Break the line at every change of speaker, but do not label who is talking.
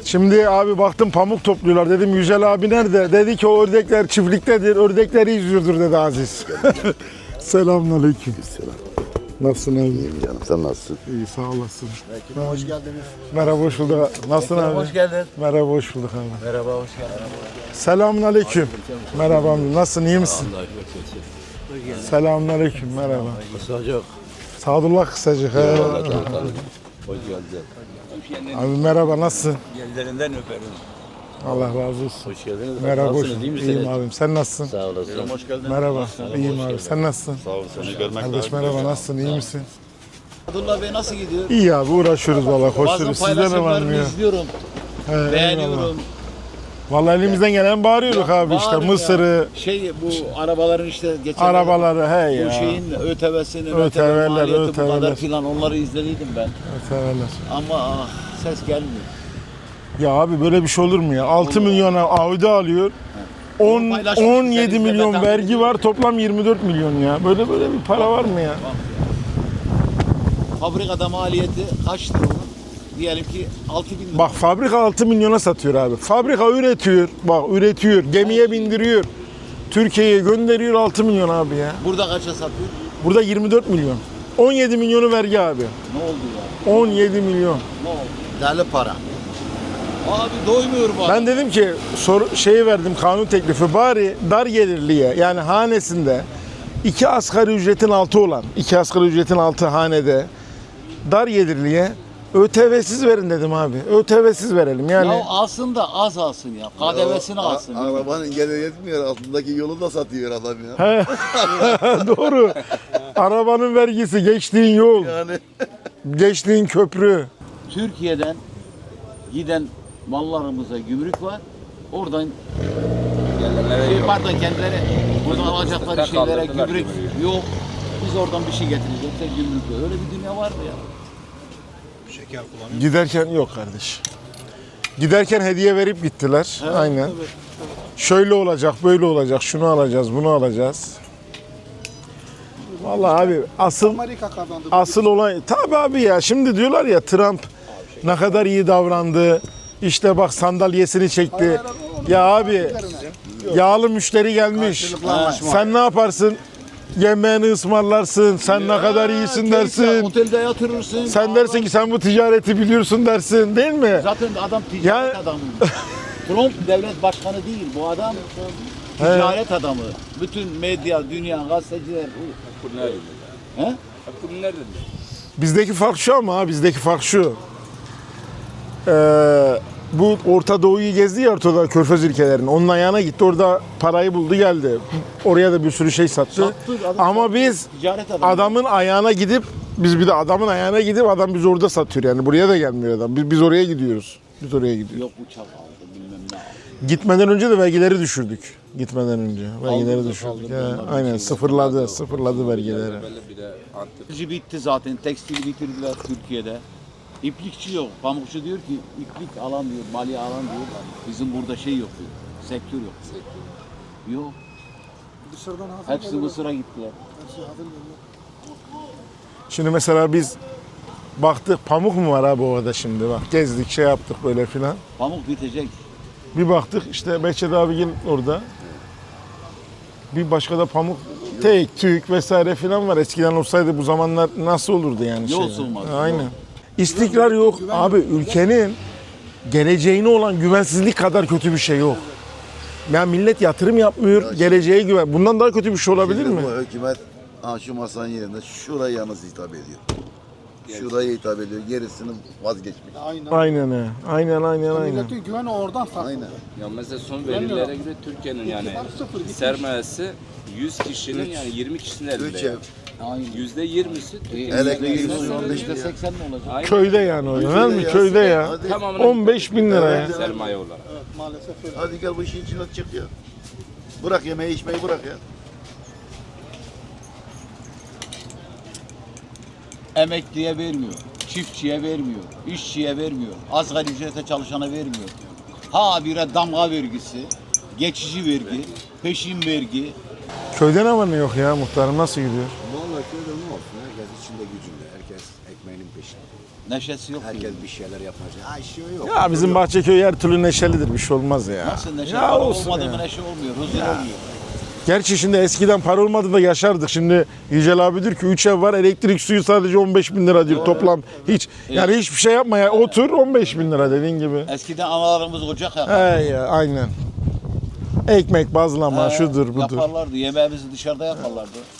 Şimdi abi baktım pamuk topluyorlar. Dedim Yücel abi nerede? Dedi ki o ördekler çiftliktedir. Ördekleri izliyordur dedi Aziz. Selamünaleyküm.
Selam.
Nasılsın abi?
İyiyim canım, sen nasılsın?
İyi sağ olasın.
Hoş geldiniz.
Merhaba hoş bulduk. Nasılsın abi?
Hoş geldin.
Merhaba hoş bulduk abi.
Merhaba, hoş geldin.
Selamünaleyküm. Merhaba abi. Nasılsın? İyi misin? Selamünaleyküm. Merhaba.
Kısacık.
Sadullah kısacık. He.
Hoş geldin.
Abi merhaba nasılsın?
Ellerinden öperim.
Allah razı olsun.
Hoş geldiniz.
Merhaba hoş
Nasılsınız, iyi
bulduk.
misiniz?
İyiyim abim. Sen nasılsın?
Sağ olasın.
Hoş geldin.
Merhaba. İyiyim abi. Sen nasılsın?
Sağ ol, seni görmek
Kardeş merhaba. Nasılsın? İyi misin?
Abdullah Bey nasıl gidiyor?
İyi abi uğraşıyoruz valla.
Bazen
Koşuyoruz. Sizde ne var mı
paylaşımlarını
ya?
izliyorum,
He, eyvallah.
beğeniyorum.
Vallahi elimizden gelen bağırıyoruz abi işte.
Bağırın ya.
Mısır'ı,
Bu arabaların işte geçen
arabaları he
bu
ya.
şeyin ÖTV'sinin
ÖTV'ler,
maliyeti bu kadar
ÖTV'ler.
filan onları izlediydim ben.
Severler.
Ama ses gelmiyor.
Ya abi böyle bir şey olur mu ya? 6 milyona Audi alıyor. 10,
paylaşmış
17
güzel,
milyon
izle,
vergi var. Toplam 24 milyon ya. Böyle bir para var mı ya?
Fabrikada maliyeti kaçtır onun? Diyelim ki 6.000 lira.
Bak fabrika 6 milyona satıyor abi. Fabrika üretiyor. Bak üretiyor. Gemiye bindiriyor. Türkiye'ye gönderiyor 6 milyon abi ya.
Burada kaça satıyor?
Burada 24 milyon. 17 milyonu vergi abi.
Ne oldu ya?
17 milyon.
Ne oldu? Deli para. Abi doymuyor bu adam.
Ben dedim ki şeyi verdim kanun teklifi bari dar gelirliye yani hanesinde 2 asgari ücretin altı olan 2 asgari ücretin altı hanede dar gelirliye ÖTV'siz verin dedim abi. ÖTV'siz verelim yani.
Ya alsın da az alsın ya. KDV'sini alsın.
Arabanın geliri yetmiyor, altındaki yolu da satıyor adam ya.
Doğru. Arabanın vergisi, geçtiğin yol,
Yani.
geçtiğin köprü.
Türkiye'den giden mallarımıza gümrük var. Oradan pardon kendileri buradan alacakları şeylere gümrük yok. Biz oradan bir şey getireceğiz. Gümrük yok. Öyle bir dünya var mı ya?
Giderken yok kardeş. Giderken hediye verip gittiler. Aynen.
Tabii.
Şöyle olacak, böyle olacak, şunu alacağız, bunu alacağız. Vallahi abi asıl olay tabii abi ya şimdi diyorlar ya Trump ne kadar iyi davrandı. İşte bak sandalyesini çekti. Ya abi yağlı müşteri gelmiş. Sen ne yaparsın? Yemeğini ısmarlarsın. Sen ne kadar iyisin dersin.
Otelde yatırırsın.
Sen dersin ki sen bu ticareti biliyorsun dersin değil mi?
Zaten adam ticaret
Ya-
adamı. Trump devlet başkanı değil. Bu adam ticaret adamı. Bütün medya, dünya, gazeteciler. He?
Bizdeki fark şu ama bizdeki fark şu. Bu Orta Doğu'yu gezdi ya ortada Körfez ülkelerinin. Onun ayağına gitti orada parayı buldu geldi. Oraya da bir sürü şey sattı.
Sattı, adam
Ama
sattı.
biz
Ticaret adamı.
adamın ayağına gidip biz bir de adamın ayağına gidip adam biz orada satıyor yani. Buraya da gelmiyor adam. Biz oraya gidiyoruz. Biz oraya gidiyoruz.
Yok uçak aldı bilmem ne aldı.
Gitmeden önce de vergileri düşürdük. Gitmeden önce vergileri
Kaldırdı,
düşürdük.
kaldırdı
Ya,
onları.
aynen sıfırladı vergileri.
Tekstilci bitti zaten. Tekstil bitirdiler Türkiye'de. İplikçi yok. Pamukçu diyor ki iplik alan diyor, maliye alan diyor. Bizim burada şey yok diyor. Sektör yok. Yok. Hepsi Mısır'a gittiler.
Şimdi mesela biz baktık pamuk mu var abi orada şimdi bak gezdik şey yaptık böyle filan.
Pamuk bitecek.
Bir baktık işte Behçet abigin orada. Bir başka da pamuk, tek, tük vesaire filan var. Eskiden olsaydı bu zamanlar nasıl olurdu yani?
Yol
şeyler?
sığmaz.
Aynen. İstikrar yok. Abi ülkenin geleceğine olan güvensizlik kadar kötü bir şey yok. Yani millet yatırım yapmıyor, geleceğe güven. Bundan daha kötü bir şey olabilir mi?
Bu hükümet şu masanın yerinde şurayı yalnız hitap ediyor. Şurayı hitap ediyor, gerisini vazgeçmiş.
Aynen he. Aynen.
Milletin güveni oradan sarkıyor.
Aynen.
Ya mesela son verilere göre Türkiye'nin yani sermayesi 100 kişinin yani 20 kişinin
3
elinde.
ev,
Aynen.
%20'si Türkiye'nin
elektrik,
%20'si
su, 15
%80
milyar.
ne olacak?
Aynen.
Köyde yani o. Değil mi?
ya.
Köyde ya.
Hadi,
Tamamını
15 bin lira ya.
sermaye olarak.
Maalesef öyle.
hadi gel bu işin içine çık ya. Bırak yemeği içmeyi bırak ya.
Emekliye vermiyor. Çiftçiye vermiyor. İşçiye vermiyor. Asgari ücrete çalışana vermiyor. Habire damga vergisi, geçici vergi, peşin vergi.
Köyde ne var ne yok ya muhtarım nasıl gidiyor?
Vallahi köyde ne olsun? Herkes içinde gücünde. Herkes ekmeğinin peşinde.
Neşesi yok.
Herkes
diyor.
bir şeyler yapacak. Ha işi yok.
Ya bizim Bahçeköy her türlü neşelidir, bir şey olmaz ya.
Nasıl neşe?
Ya
Para
olsun
olmadı
ya.
mı neşe olmuyor, huzur olmuyor.
Gerçi şimdi eskiden para olmadı da yaşardık. Şimdi Yücel abi diyor ki 3 ev var, elektrik suyu sadece 15 bin lira diyor toplam. Hiç yani hiçbir şey yapma ya, otur 15 bin lira dediğin gibi.
Eskiden analarımız ocak yakar.
He ya, aynen. Ekmek bazlama, şudur budur.
Yaparlardı, yemeğimizi dışarıda yaparlardı.